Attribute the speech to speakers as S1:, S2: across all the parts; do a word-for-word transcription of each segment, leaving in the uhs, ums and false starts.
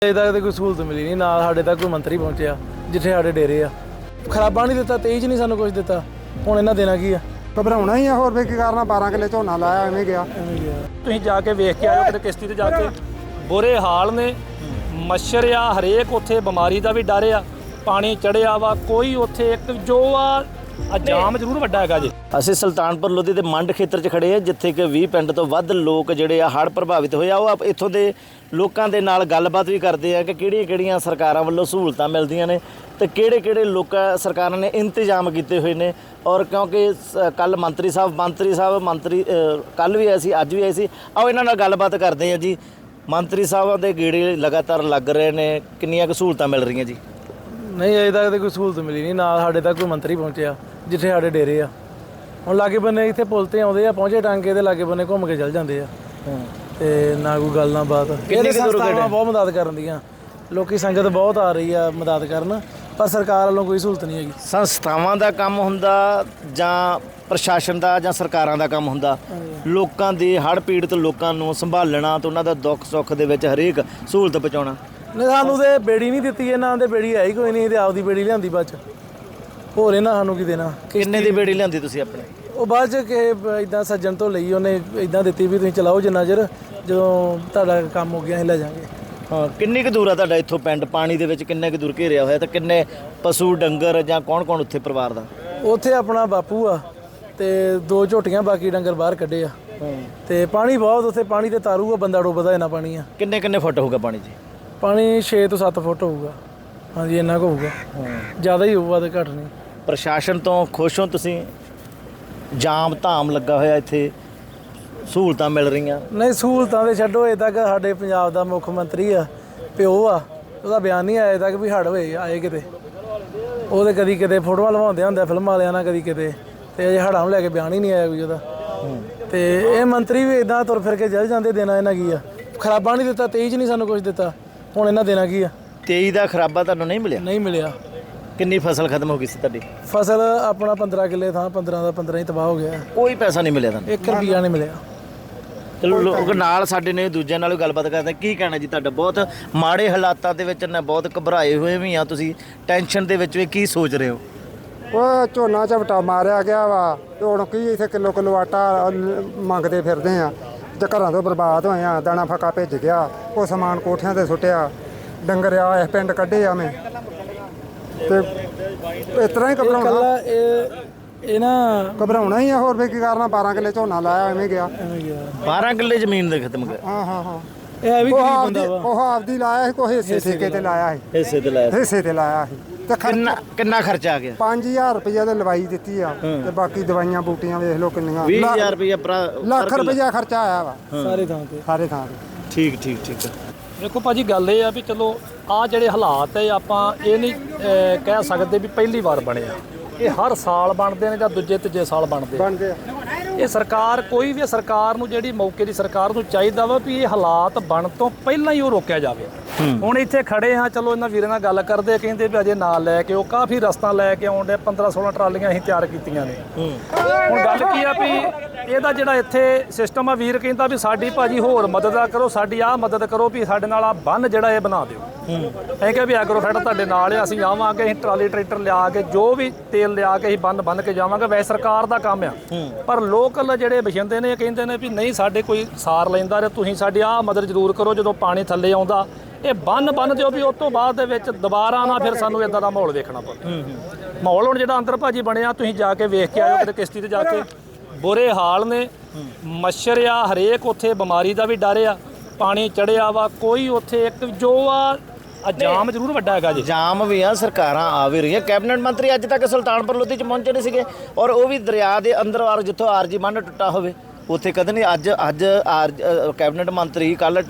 S1: ਅਜੇ ਤੱਕ ਤਾਂ ਕੋਈ ਸਹੂਲਤ ਮਿਲੀ ਨਹੀਂ, ਨਾ ਸਾਡੇ ਤੱਕ ਕੋਈ ਮੰਤਰੀ ਪਹੁੰਚਿਆ ਜਿੱਥੇ ਸਾਡੇ ਡੇਰੇ ਆ। ਖਰਾਬਾ ਨਹੀਂ ਦਿੱਤਾ, ਤੇਈ 'ਚ ਨਹੀਂ ਸਾਨੂੰ ਕੁਝ ਦਿੱਤਾ, ਹੁਣ ਇਹਨਾਂ ਦੇਣਾ ਕੀ ਆ?
S2: ਘਬਰਾਉਣਾ ਹੀ ਆ, ਹੋਰ ਵੀ ਕੀ ਕਰਨਾ। ਬਾਰਾਂ ਕਿੱਲੇ ਝੋਨਾ ਲਾਇਆ, ਐਵੇਂ ਗਿਆ।
S3: ਤੁਸੀਂ ਜਾ ਕੇ ਵੇਖ ਕੇ ਆਇਓ ਕਿਤੇ ਕਿਸ਼ਤੀ ਤੇ ਜਾ ਕੇ, ਬੁਰੇ ਹਾਲ ਨੇ। ਮੱਛਰ ਆ, ਹਰੇਕ ਉੱਥੇ ਬਿਮਾਰੀ ਦਾ ਵੀ ਡਰ ਆ, ਪਾਣੀ ਚੜਿਆ ਵਾ, ਕੋਈ ਉੱਥੇ ਇੱਕ ਜੋ ਆ ਜਾਮ ਜ਼ਰੂਰ ਵੱਡਾ ਹੈਗਾ ਜੀ।
S4: ਅਸੀਂ ਸੁਲਤਾਨਪੁਰ ਲੋਧੀ ਦੇ ਮੰਡ ਖੇਤਰ 'ਚ ਖੜੇ ਹਾਂ, ਜਿੱਥੇ ਕਿ ਵੀਹ ਪਿੰਡ ਤੋਂ ਵੱਧ ਲੋਕ ਜਿਹੜੇ ਆ ਹੜ੍ਹ ਪ੍ਰਭਾਵਿਤ ਹੋਏ ਆ। ਉਹ ਇੱਥੋਂ ਦੇ ਲੋਕਾਂ ਦੇ ਨਾਲ ਗੱਲਬਾਤ ਵੀ ਕਰਦੇ ਆ ਕਿ ਕਿਹੜੀਆਂ ਕਿਹੜੀਆਂ ਸਰਕਾਰਾਂ ਵੱਲੋਂ ਸਹੂਲਤਾਂ ਮਿਲਦੀਆਂ ਨੇ ਤੇ ਕਿਹੜੇ ਕਿਹੜੇ ਲੋਕਾਂ ਸਰਕਾਰਾਂ ਨੇ ਇੰਤਜ਼ਾਮ ਕੀਤੇ ਹੋਏ ਨੇ। ਔਰ ਕਿਉਂਕਿ ਕੱਲ ਮੰਤਰੀ ਸਾਹਿਬ ਮੰਤਰੀ ਸਾਹਿਬ ਮੰਤਰੀ ਕੱਲ ਵੀ ਆਏ ਸੀ, ਅੱਜ ਵੀ ਆਏ ਸੀ। ਆਓ ਇਹਨਾਂ ਨਾਲ ਗੱਲਬਾਤ ਕਰਦੇ ਆ ਜੀ। ਮੰਤਰੀ ਸਾਹਿਬਾਂ ਦੇ ਗੇੜੇ ਲਗਾਤਾਰ ਲੱਗ ਰਹੇ ਨੇ, ਕਿੰਨੀਆਂ ਕੁ ਸਹੂਲਤਾਂ ਮਿਲ ਰਹੀਆਂ ਜੀ?
S1: ਨਹੀਂ ਅਜੇ ਤੱਕ ਤਾਂ ਕੋਈ ਸਹੂਲਤ ਮਿਲੀ ਨਹੀਂ, ਨਾ ਸਾਡੇ ਤੱਕ ਕੋਈ ਮੰਤਰੀ ਪਹੁੰਚਿਆ ਜਿੱਥੇ ਸਾਡੇ ਡੇਰੇ ਆ। ਹੁਣ ਲਾਗੇ ਬੰਨੇ ਇੱਥੇ ਪੁਲ ਤੇ ਆਉਂਦੇ ਆ, ਪਹੁੰਚੇ ਟਾਂਗੇ ਦੇ ਲਾਗੇ ਬੰਨੇ ਘੁੰਮ ਕੇ ਚੱਲ ਜਾਂਦੇ ਆ ਤੇ ਨਾ ਕੋਈ ਗੱਲ ਨਾ ਬਾਤ। ਕਿੰਨੀ ਸੰਸਥਾਵਾਂ ਬਹੁਤ ਮਦਦ ਕਰਨ ਦੀਆਂ, ਲੋਕੀ ਸੰਗਤ ਬਹੁਤ ਆ ਰਹੀ ਆ ਮਦਦ ਕਰਨ, ਪਰ ਸਰਕਾਰ ਵੱਲੋਂ ਕੋਈ ਸਹੂਲਤ ਨਹੀਂ ਹੈਗੀ।
S4: ਸੰਸਥਾਵਾਂ ਦਾ ਕੰਮ ਹੁੰਦਾ ਜਾਂ ਪ੍ਰਸ਼ਾਸਨ ਦਾ ਜਾਂ ਸਰਕਾਰਾਂ ਦਾ ਕੰਮ ਹੁੰਦਾ ਲੋਕਾਂ ਦੇ ਹੜ੍ਹ ਪੀੜਤ ਲੋਕਾਂ ਨੂੰ ਸੰਭਾਲਣਾ ਤੇ ਉਹਨਾਂ ਦਾ ਦੁੱਖ ਸੁੱਖ ਦੇ ਵਿੱਚ ਹਰੇਕ ਸਹੂਲਤ ਪਹੁੰਚਾਉਣਾ।
S1: ਨਹੀਂ ਸਾਨੂੰ ਤੇ ਬੇੜੀ ਨਹੀਂ ਦਿੱਤੀ, ਇਹਨਾਂ ਦੇ ਬੇੜੀ ਹੈ ਹੀ ਕੋਈ ਨਹੀਂ, ਤੇ ਆਪਦੀ ਬੇੜੀ ਲਿਆਂਦੀ ਬਾਅਦ ਚ, ਹੋਰ ਇਹਨਾਂ ਸਾਨੂੰ ਕੀ ਦੇਣਾ।
S4: ਕਿੰਨੇ ਦੀ ਬੇੜੀ ਲਿਆਂਦੀ ਤੁਸੀਂ ਆਪਣੇ?
S1: ਉਹ ਬਾਅਦ ਚ ਕਿ ਇਦਾਂ ਸੱਜਣ ਤੋਂ ਲਈ, ਉਹਨੇ ਇਦਾਂ ਦਿੱਤੀ ਵੀ ਤੁਸੀਂ ਚਲਾਓ ਜਿੰਨਾ ਚਿਰ, ਜਦੋਂ ਤੁਹਾਡਾ ਕੰਮ ਹੋ ਗਿਆ ਅਸੀਂ ਲੈ ਜਾਵਾਂਗੇ।
S4: ਹਾਂ, ਕਿੰਨੀ ਕੁ ਦੂਰ ਆ ਤੁਹਾਡਾ ਇੱਥੋਂ ਪਿੰਡ? ਪਾਣੀ ਦੇ ਵਿੱਚ ਕਿੰਨੇ ਕੁ ਦੂਰ ਘੇਰਿਆ ਹੋਇਆ ਤੇ ਕਿੰਨੇ ਪਸ਼ੂ ਡੰਗਰ ਜਾਂ ਕੌਣ ਕੌਣ ਉੱਥੇ ਪਰਿਵਾਰ ਦਾ?
S1: ਉੱਥੇ ਆਪਣਾ ਬਾਪੂ ਆ ਤੇ ਦੋ ਝੋਟੀਆਂ, ਬਾਕੀ ਡੰਗਰ ਬਾਹਰ ਕੱਢੇ ਆ। ਤੇ ਪਾਣੀ ਬਹੁਤ ਉੱਥੇ, ਪਾਣੀ ਤੇ ਤਾਰੂ ਆ, ਬੰਦਾ ਡੁੱਬਦਾ ਇੰਨਾ ਪਾਣੀ ਆ।
S4: ਕਿੰਨੇ ਕਿੰਨੇ ਫੁੱਟ ਹੋਊਗਾ ਪਾਣੀ ਜੀ?
S1: ਪਾਣੀ ਛੇ ਤੋਂ ਸੱਤ ਫੁੱਟ ਹੋਊਗਾ। ਹਾਂਜੀ ਇੰਨਾ ਕੁ ਹੋਊਗਾ, ਜ਼ਿਆਦਾ ਹੀ ਹੋਊਗਾ ਤੇ ਘੱਟ ਨਹੀਂ।
S4: ਪ੍ਰਸ਼ਾਸਨ ਤੋਂ ਖੁਸ਼ ਹੋ ਤੁਸੀਂ? ਜਾਮ ਧਾਮ ਲੱਗਾ ਹੋਇਆ, ਇੱਥੇ ਸਹੂਲਤਾਂ ਮਿਲ ਰਹੀਆਂ?
S1: ਨਹੀਂ ਸਹੂਲਤਾਂ ਦੇ ਛੱਡੋ, ਅਜੇ ਤੱਕ ਸਾਡੇ ਪੰਜਾਬ ਦਾ ਮੁੱਖ ਮੰਤਰੀ ਆ, ਪਿਓ ਆ, ਉਹਦਾ ਬਿਆਨ ਨਹੀਂ ਆਇਆ ਤੱਕ ਵੀ ਹੜ੍ਹ ਹੋਏ ਆਏ ਕਿਤੇ। ਉਹਦੇ ਕਦੀ ਕਿਤੇ ਫੋਟੋਆਂ ਲਵਾਉਂਦੇ ਹੁੰਦੇ ਫਿਲਮਾਂ ਵਾਲਿਆਂ ਨਾਲ, ਕਦੀ ਕਿਤੇ, ਤੇ ਅਜੇ ਹੜ੍ਹਾਂ ਨੂੰ ਲੈ ਕੇ ਬਿਆਨ ਹੀ ਨਹੀਂ ਆਇਆ ਕੋਈ ਉਹਦਾ। ਤੇ ਇਹ ਮੰਤਰੀ ਵੀ ਇਦਾਂ ਤੁਰ ਫਿਰ ਕੇ ਜਲ ਜਾਂਦੇ, ਦੇਣਾ ਇਹਨਾਂ ਕੀ ਆ? ਖਰਾਬਾ ਨਹੀਂ ਦਿੱਤਾ, ਤੇਈ 'ਚ ਨਹੀਂ ਸਾਨੂੰ ਕੁਝ ਦਿੱਤਾ, ਹੁਣ ਇਹਨਾਂ ਦੇਣਾ ਕੀ ਆ?
S4: ਤੇਈ ਦਾ ਖਰਾਬਾ ਤੁਹਾਨੂੰ ਨਹੀਂ ਮਿਲਿਆ?
S1: ਨਹੀਂ ਮਿਲਿਆ।
S4: ਕਿੰਨੀ ਫਸਲ ਖਤਮ ਹੋ ਗਈ ਸੀ ਤੁਹਾਡੀ?
S1: ਫਸਲ ਆਪਣਾ ਪੰਦਰਾਂ ਕਿੱਲੇ ਥਾਂ ਪੰਦਰਾਂ ਦਾ ਪੰਦਰਾਂ ਹੀ ਤਬਾਹ ਹੋ ਗਿਆ।
S4: ਕੋਈ ਪੈਸਾ ਨਹੀਂ ਮਿਲਿਆ ਤੁਹਾਨੂੰ?
S1: ਇੱਕ ਰੁਪਈਆ ਨਹੀਂ ਮਿਲਿਆ।
S4: ਚਲੋ ਲੋਕ ਨਾਲ ਸਾਡੇ ਨੇ ਦੂਜਿਆਂ ਨਾਲ ਵੀ ਗੱਲਬਾਤ ਕਰਦੇ। ਕੀ ਕਹਿਣਾ ਜੀ ਤੁਹਾਡਾ? ਬਹੁਤ ਮਾੜੇ ਹਾਲਾਤਾਂ ਦੇ ਵਿੱਚ ਨੇ, ਬਹੁਤ ਘਬਰਾਏ ਹੋਏ ਵੀ ਆ ਤੁਸੀਂ, ਟੈਨਸ਼ਨ ਦੇ ਵਿੱਚ ਵੀ ਕੀ ਸੋਚ ਰਹੇ ਹੋ?
S2: ਉਹ ਝੋਨਾ ਝਪਟਾ ਮਾਰਿਆ ਗਿਆ ਵਾ, ਤੇ ਹੁਣ ਕੀ ਇੱਥੇ ਕਿਲੋ ਕਿਲੋ ਆਟਾ ਮੰਗਦੇ ਫਿਰਦੇ ਆ, ਤੇ ਘਰਾਂ ਤੋਂ ਬਰਬਾਦ ਹੋਏ ਆ। ਦਾਣਾ ਫੱਕਾ ਭਿੱਜ ਗਿਆ, ਉਹ ਸਮਾਨ ਕੋਠਿਆਂ ਤੇ ਸੁੱਟਿਆ, ਡੰਗਰ ਆ ਇਸ ਪਿੰਡ ਕੱਢੇ ਆ ਮੈਂ, ਤੇ ਇਸ ਤਰ੍ਹਾਂ ਹੀ ਘਬਰਾਉਣਾ
S1: ਇਹ ਇਹ ਨਾ
S2: ਘਬਰਾਉਣਾ ਹੀ ਆ, ਹੋਰ ਵੀ ਕੀ ਕਰਨਾ। ਬਾਰਾਂ ਕਿੱਲੇ ਝੋਨਾ ਲਾਇਆ, ਐਵੇਂ ਗਿਆ।
S4: ਬਾਰਾਂ ਕਿੱਲੇ ਜ਼ਮੀਨ ਦੇ ਖਤਮ ਕਰ?
S2: ਹਾਂ ਹਾਂ ਹਾਂ
S1: ਇਹ ਵੀ
S2: ਉਹ
S1: ਗਰੀਬ
S2: ਆਪਦੀ
S1: ਬੰਦਾ ਵਾ।
S2: ਉਹ ਆਪਦੀ ਲਾਇਆ ਸੀ, ਕੋਈ ਹਿੱਸੇ ਠੇਕੇ ਤੇ ਲਾਇਆ ਸੀ,
S4: ਹਿੱਸੇ ਤੇ ਲਾਇਆ?
S2: ਹਿੱਸੇ ਤੇ ਲਾਇਆ ਸੀ। ਤੇ
S4: ਕਿੰਨਾ ਕਿੰਨਾ ਖਰਚਾ ਆ ਗਿਆ?
S2: ਪੰਜ ਹਜ਼ਾਰ ਰੁਪਈਆ ਤੇ ਲਵਾਈ ਦਿੱਤੀ ਆ, ਤੇ ਬਾਕੀ ਦਵਾਈਆਂ ਬੂਟੀਆਂ ਵੇਖ ਲਓ ਕਿੰਨੀਆਂ।
S4: ਵੀਹ ਹਜ਼ਾਰ ਰੁਪਇਆ
S2: ਲੱਖ ਰੁਪਈਆ ਖਰਚਾ ਆਇਆ ਵਾ
S1: ਸਾਰੇ ਥਾਂ ਤੇ,
S2: ਸਾਰੇ ਥਾਂ ਤੇ।
S4: ਠੀਕ ਠੀਕ ਠੀਕ।
S3: ਦੇਖੋ ਭਾਜੀ, ਗੱਲ ਇਹ ਆ ਵੀ ਚਲੋ ਆਹ ਜਿਹੜੇ ਹਾਲਾਤ ਹੈ, ਆਪਾਂ ਇਹ ਨਹੀਂ ਅਹ, ਕਹਿ ਸਕਦੇ ਵੀ ਪਹਿਲੀ ਵਾਰ ਬਣੇ ਆ। ਇਹ ਹਰ ਸਾਲ ਬਣਦੇ ਨੇ ਜਾਂ ਦੂਜੇ ਤੀਜੇ ਸਾਲ ਬਣਦੇ ਆ।
S2: ਬਣਦੇ ਆ।
S3: ਇਹ ਸਰਕਾਰ ਕੋਈ ਵੀ ਸਰਕਾਰ ਨੂੰ, ਜਿਹੜੀ ਮੌਕੇ ਦੀ ਸਰਕਾਰ ਨੂੰ ਚਾਹੀਦਾ ਵਾ ਵੀ ਇਹ ਹਾਲਾਤ ਬਣ ਤੋਂ ਪਹਿਲਾਂ ਹੀ ਉਹ ਰੋਕਿਆ ਜਾਵੇ। ਹੁਣ ਇੱਥੇ ਖੜੇ ਹਾਂ, ਚਲੋ ਇਹਨਾਂ ਵੀਰਾਂ ਨਾਲ ਗੱਲ ਕਰਦੇ, ਕਹਿੰਦੇ ਵੀ ਅਜੇ ਨਾਲ ਲੈ ਕੇ ਉਹ ਕਾਫੀ ਰਸਤਾ ਲੈ ਕੇ ਆਉਂਦੇ, ਪੰਦਰਾਂ ਸੋਲਾਂ ਟਰਾਲੀਆਂ ਅਸੀਂ ਤਿਆਰ ਕੀਤੀਆਂ ਨੇ। ਹੁਣ ਗੱਲ ਕੀ ਆ ਵੀ ਇਹਦਾ ਜਿਹੜਾ ਇੱਥੇ ਸਿਸਟਮ ਆ, ਵੀਰ ਕਹਿੰਦਾ ਵੀ ਸਾਡੀ ਭਾਜੀ ਹੋਰ ਮਦਦ ਕਰੋ, ਸਾਡੀ ਆਹ ਮਦਦ ਕਰੋ ਵੀ ਸਾਡੇ ਨਾਲ ਆ ਬੰਨ ਜਿਹੜਾ ਇਹ ਬਣਾ ਦਿਓ। ਅਸੀਂ ਕਿਹਾ ਵੀ ਐਗਰੋਫੈਟ ਤੁਹਾਡੇ ਨਾਲ ਆ, ਅਸੀਂ ਆਵਾਂਗੇ, ਅਸੀਂ ਟਰਾਲੀ ਟਰੈਕਟਰ ਲਿਆ ਕੇ ਜੋ ਵੀ ਤੇਲ ਲਿਆ ਕੇ ਅਸੀਂ ਬੰਨ ਬੰਨ ਕੇ ਜਾਵਾਂਗੇ। ਵੈਸੇ ਸਰਕਾਰ ਦਾ ਕੰਮ ਆ, ਪਰ ਲੋਕਲ ਜਿਹੜੇ ਵਸਿੰਦੇ ਨੇ ਕਹਿੰਦੇ ਨੇ ਵੀ ਨਹੀਂ ਸਾਡੇ ਕੋਈ ਸਾਰ ਲੈਂਦਾ ਤੇ ਤੁਸੀਂ ਸਾਡੀ ਆਹ ਮਦਦ ਜ਼ਰੂਰ ਕਰੋ। ਜਦੋਂ ਪਾਣੀ ਥੱਲੇ ਆਉਂਦਾ ਇਹ ਬੰਨ ਬੰਨ ਦਿਓ ਵੀ ਉਸ ਤੋਂ ਬਾਅਦ ਦੇ ਵਿੱਚ ਦੁਬਾਰਾ ਨਾ ਫਿਰ ਸਾਨੂੰ ਇਦਾਂ ਦਾ ਮਾਹੌਲ ਵੇਖਣਾ ਪਵੇ। ਮਾਹੌਲ ਹੁਣ ਜਿਹੜਾ ਅੰਦਰ ਭਾਜੀ ਬਣਿਆ, ਤੁਸੀਂ ਜਾ ਕੇ ਵੇਖ ਕੇ ਆਇਓ ਕਿਤੇ ਕਿਸ਼ਤੀ ਤੇ ਜਾ ਕੇ, ਬੁਰੇ ਹਾਲ ਨੇ। ਮੱਛਰ ਆ, ਹਰੇਕ ਉੱਥੇ ਬਿਮਾਰੀ ਦਾ ਵੀ ਡਰ ਆ, ਪਾਣੀ ਚੜਿਆ ਵਾ, ਕੋਈ ਉੱਥੇ ਇੱਕ ਜੋ ਆ ਜਾਮ ਜ਼ਰੂਰ ਵੱਡਾ ਹੈਗਾ ਜੀ।
S4: ਜਾਮ ਵੀ ਆ, ਸਰਕਾਰਾਂ ਆ ਵੀ ਰਹੀਆਂ। ਕੈਬਨਿਟ ਮੰਤਰੀ ਅੱਜ ਤੱਕ ਸੁਲਤਾਨਪੁਰ ਲੋਧੀ 'ਚ ਪਹੁੰਚੇ ਨਹੀਂ ਸੀਗੇ, ਔਰ ਉਹ ਵੀ ਦਰਿਆ ਦੇ ਅੰਦਰ ਵਾਰ ਜਿੱਥੋਂ ਆਰਜੀ ਬੰਨ ਟੁੱਟਾ ਹੋਵੇ ਉੱਥੇ ਕਦੇ ਨਹੀਂ। ਅੱਜ ਅੱਜ ਆਰ ਕੈਬਨਿਟ ਮੰਤਰੀ ਕੱਲ੍ਹ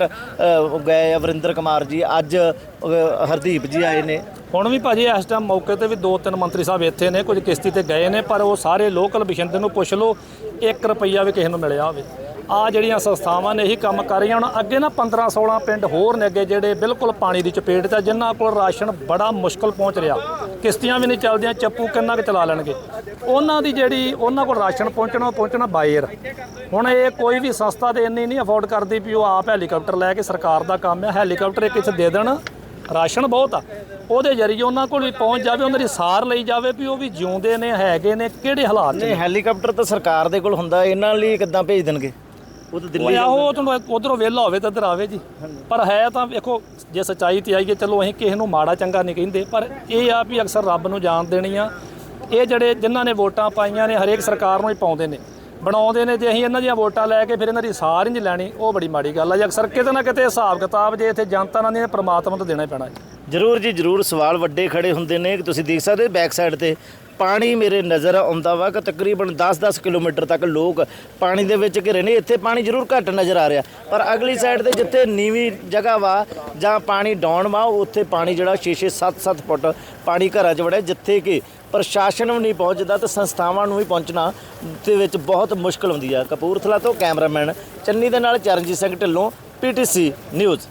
S4: ਗਏ ਵਰਿੰਦਰ ਕੁਮਾਰ ਜੀ, ਅੱਜ ਹਰਦੀਪ ਜੀ ਆਏ ਨੇ।
S3: ਹੁਣ ਵੀ ਭਾਜੀ ਇਸ ਟਾਈਮ ਮੌਕੇ ਤੇ ਵੀ ਦੋ ਤਿੰਨ ਮੰਤਰੀ ਸਾਹਿਬ ਇੱਥੇ ਨੇ, ਕੁਝ ਕਿਸ਼ਤੀ ਤੇ ਗਏ ਨੇ, ਪਰ ਉਹ ਸਾਰੇ ਲੋਕਲ ਵਸਿੰਦੇ ਨੂੰ ਪੁੱਛ ਲਓ, ਇੱਕ ਰੁਪਈਆ ਵੀ ਕਿਸੇ ਨੂੰ ਮਿਲਿਆ ਹੋਵੇ। ਆ ਜਿਹੜੀਆਂ ਸੰਸਥਾਵਾਂ ਨੇ ਇਹੀ ਕੰਮ ਕਰ ਰਹੀਆਂ। ਹੁਣ ਅੱਗੇ ਨਾ ਪੰਦਰਾਂ ਸੋਲਾਂ ਪਿੰਡ ਹੋਰ ਨੇ ਅੱਗੇ ਜਿਹੜੇ ਬਿਲਕੁਲ ਪਾਣੀ ਦੀ ਚਪੇਟ 'ਚ, ਜਿਨ੍ਹਾਂ ਕੋਲ ਰਾਸ਼ਨ ਬੜਾ ਮੁਸ਼ਕਲ ਪਹੁੰਚ ਰਿਹਾ। ਕਿਸ਼ਤੀਆਂ ਵੀ ਨਹੀਂ ਚੱਲਦੀਆਂ, ਚੱਪੂ ਕਿੰਨਾ ਕੁ ਚਲਾ ਲੈਣਗੇ। ਉਹਨਾਂ ਦੀ ਜਿਹੜੀ ਉਹਨਾਂ ਕੋਲ ਰਾਸ਼ਨ ਪਹੁੰਚਣਾ ਪਹੁੰਚਣਾ ਬਾਏਰ। ਹੁਣ ਇਹ ਕੋਈ ਵੀ ਸੰਸਥਾ ਤੇ ਇੰਨੀ ਨਹੀਂ ਅਫੋਰਡ ਕਰਦੀ ਵੀ ਉਹ ਆਪ ਹੈਲੀਕਾਪਟਰ ਲੈ ਕੇ, ਸਰਕਾਰ ਦਾ ਕੰਮ ਹੈ ਹੈਲੀਕਾਪਟਰ ਇੱਕ ਇੱਥੇ ਦੇ ਦੇਣ, ਰਾਸ਼ਨ ਬਹੁਤ ਆ, ਉਹਦੇ ਜ਼ਰੀਏ ਉਹਨਾਂ ਕੋਲ ਵੀ ਪਹੁੰਚ ਜਾਵੇ, ਉਹਨਾਂ ਦੀ ਸਾਰ ਲਈ ਜਾਵੇ ਵੀ ਉਹ ਵੀ ਜਿਉਂਦੇ ਨੇ, ਹੈਗੇ ਨੇ, ਕਿਹੜੇ ਹਾਲਾਤ ਨੇ।
S4: ਨਹੀਂ ਹੈਲੀਕਾਪਟਰ ਤਾਂ ਸਰਕਾਰ ਦੇ ਕੋਲ ਹੁੰਦਾ, ਇਹਨਾਂ ਲਈ ਕਿੱਦਾਂ ਭੇਜ ਦੇਣਗੇ? ਉਹ ਤਾਂ ਦਿੱਲੀ
S3: ਉਹ ਤੁਹਾਨੂੰ ਉਧਰੋਂ ਵਿਹਲਾ ਹੋਵੇ ਤਾਂ ਇੱਧਰ ਆਵੇ ਜੀ। ਪਰ ਹੈ ਤਾਂ ਵੇਖੋ, ਜੇ ਸੱਚਾਈ ਤੇ ਆਈਏ, ਚਲੋ ਅਸੀਂ ਕਿਸੇ ਨੂੰ ਮਾੜਾ ਚੰਗਾ ਨਹੀਂ ਕਹਿੰਦੇ, ਪਰ ਇਹ ਆ ਵੀ ਅਕਸਰ ਰੱਬ ਨੂੰ ਜਾਣ ਦੇਣੀ ਆ। ਇਹ ਜਿਹੜੇ ਜਿਨ੍ਹਾਂ ਨੇ ਵੋਟਾਂ ਪਾਈਆਂ ਨੇ ਹਰੇਕ ਸਰਕਾਰ ਨੂੰ ਹੀ ਪਾਉਂਦੇ ਨੇ, ਬਣਾਉਂਦੇ ਨੇ, ਜੇ ਅਸੀਂ ਇਹਨਾਂ ਦੀਆਂ ਵੋਟਾਂ ਲੈ ਕੇ ਫਿਰ ਇਹਨਾਂ ਦੀ ਸਾਰ ਹੀ ਨਹੀਂ ਲੈਣੀ, ਉਹ ਬੜੀ ਮਾੜੀ ਗੱਲ ਆ ਜੀ। ਅਕਸਰ ਕਿਤੇ ਨਾ ਕਿਤੇ ਹਿਸਾਬ ਕਿਤਾਬ ਜੇ ਇੱਥੇ ਜਨਤਾ ਨਾਲ ਨਹੀਂ, ਪ੍ਰਮਾਤਮਾ ਤੋਂ ਦੇਣਾ ਹੀ ਪੈਣਾ ਜੀ।
S4: ਜ਼ਰੂਰ ਜੀ ਜ਼ਰੂਰ, ਸਵਾਲ ਵੱਡੇ ਖੜੇ ਹੁੰਦੇ ਨੇ ਕਿ ਤੁਸੀਂ ਦੇਖ ਸਕਦੇ ਬੈਕ ਸਾਈਡ ਤੇ ਪਾਣੀ ਮੇਰੇ ਨਜ਼ਰ ਆਉਂਦਾ ਵਾ ਕਿ ਤਕਰੀਬਨ ਦਸ ਦਸ ਕਿਲੋਮੀਟਰ ਤੱਕ ਲੋਕ ਪਾਣੀ ਦੇ ਵਿੱਚ ਘਿਰੇ ਨੇ। ਇੱਥੇ ਪਾਣੀ ਜ਼ਰੂਰ ਘੱਟ ਨਜ਼ਰ ਆ ਰਿਹਾ, ਪਰ ਅਗਲੀ ਸਾਈਡ ਤੇ ਜਿੱਥੇ ਨੀਵੀਂ ਜਗ੍ਹਾ ਵਾ ਜਾਂ ਪਾਣੀ ਡਾਊਨ ਵਾ, ਉੱਥੇ ਪਾਣੀ ਜਿਹੜਾ ਛੇ ਛੇ ਸੱਤ ਸੱਤ ਫੁੱਟ ਪਾਣੀ ਘਰਾਂ 'ਚ ਵੜਿਆ, ਜਿੱਥੇ ਕਿ ਪ੍ਰਸ਼ਾਸਨ ਵੀ ਨਹੀਂ ਪਹੁੰਚਦਾ ਤੇ ਸੰਸਥਾਵਾਂ ਨੂੰ ਵੀ ਪਹੁੰਚਣਾ ਦੇ ਵਿੱਚ ਬਹੁਤ ਮੁਸ਼ਕਲ ਹੁੰਦੀ ਆ। ਕਪੂਰਥਲਾ ਤੋਂ ਕੈਮਰਾਮੈਨ ਚੰਨੀ ਦੇ ਨਾਲ Charanjit Singh Dhillon, P T C news.